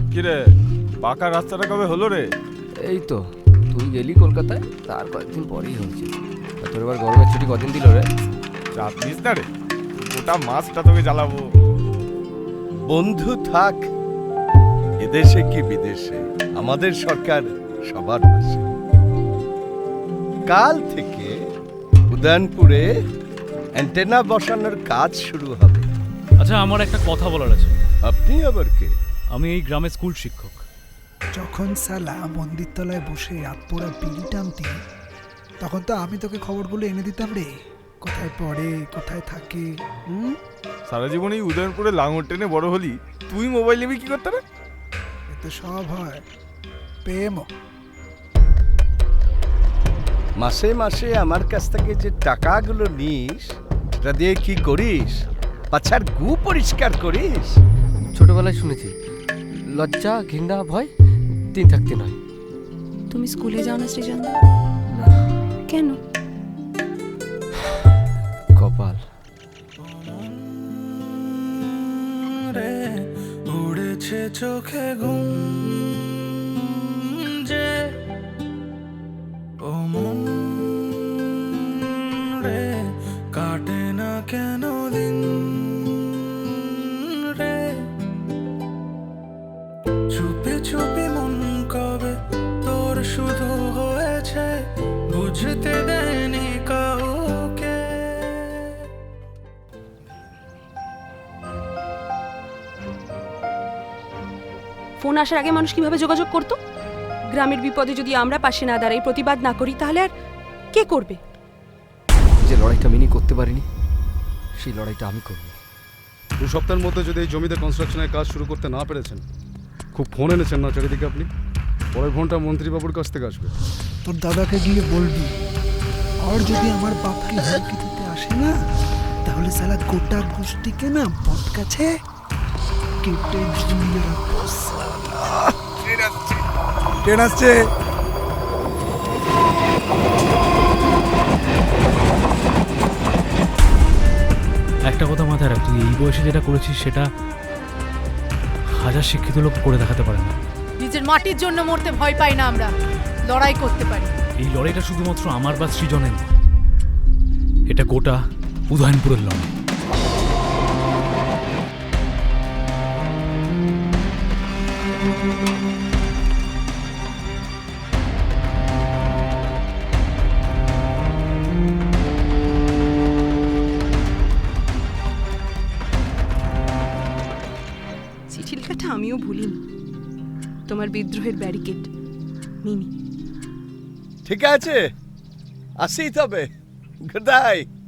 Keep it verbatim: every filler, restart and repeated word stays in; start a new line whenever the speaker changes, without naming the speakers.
কিরে পাকা রাস্তাটা কবে হলো রে?
এই তো তুই গেলি কলকাতায়, তার কয়েকদিন পরেই হয়েছে। তোর এবার গরমের ছুটি কদিন দিল রে?
চাপ নিস না রে, গোটা মাসটা তোকে জ্বালাবো।
বন্ধু থাক এদেশে কি বিদেশে, আমাদের সরকার সবার পাশে। কাল থেকে উদয়নপুরে অ্যান্টেনা বসানোর কাজ শুরু হবে।
আচ্ছা, আমার একটা কথা বলার আছে।
আপনি আবার কে?
আমি এই গ্রামের স্কুল শিক্ষক।
যখন সালা মন্দির তলায় বসে আতপোড়া বিড়ি টানতি, তখন তো আমি তোকে খবরগুলো এনে দিতাম রে, কোথায় পড়ে কোথায় থাকে। হুম,
সারা জীবন এই উদয়নপুরে লাঙর টেনে বড় হলি, তুই মোবাইল নিবি কি করতে রে?
এতে সব হয় প্রেমও।
মাসে মাসে আমার কাছ থেকে যে টাকাগুলো নিস, সেটা দিয়ে কি করিস? পাছার গু পরিষ্কার করিস?
ছোটবেলায় শুনেছি লজ্জা ঘৃণা ভয় তিন থাকতে নয়।
তুমি স্কুলে যাও না সৃজন?
না,
কেন?
কপাল।
উড়েছে চোখে ঘুম যে, ও মন রে, কাটে না কেন দিন রে, চুপি চুপি মন কবে তোর শুধু হয়েছে, বুঝতে দেয়নি কাউকে।
ফোন আসার আগে মানুষ কিভাবে যোগাযোগ করতো? গ্রামের বিপদে যদি আমরা পাশে না দাঁড়াই, প্রতিবাদ না করি, তাহলে আর কে করবে?
যে লড়াইটা মিনি করতে পারিনি, সেই লড়াইটা আমি করব।
দু সপ্তাহের মধ্যে যদি এই জমিতে কনস্ট্রাকশনের কাজ শুরু করতে না পেরেছেন, খুব ফোন এনেছেন না চারিদিকে আপনি, পরের ফোনটা মন্ত্রীবাবুর কাছ থেকে আসবে।
তোর দাদাকে গিয়ে বলবি, আর যদি আমার বাপকে হুমকি দিতে আসে না, তাহলে সালা গোটা গোষ্ঠীকে না বট কাছে কেটে ঝুলিয়ে রাখবো। ট্রেন আসছে, ট্রেন আসছে।
একটা কথা মাথায় রাখ, তুই এই বয়সে যেটা করেছিস সেটা হাজার শিক্ষিত লোক করে দেখাতে পারে না।
নিজের মাটির জন্য মরতে ভয় পাই না আমরা, লড়াই করতে পারি।
এই লড়াইটা শুধুমাত্র আমার বা সৃজনের নয়, এটা গোটা উদয়নপুরের লড়াই।
চিঠি লেখাটা আমিও ভুলিনি, তোমার বিদ্রোহের ব্যারিকেড মিনি।
ঠিক আছে, আসি তবে। Good by.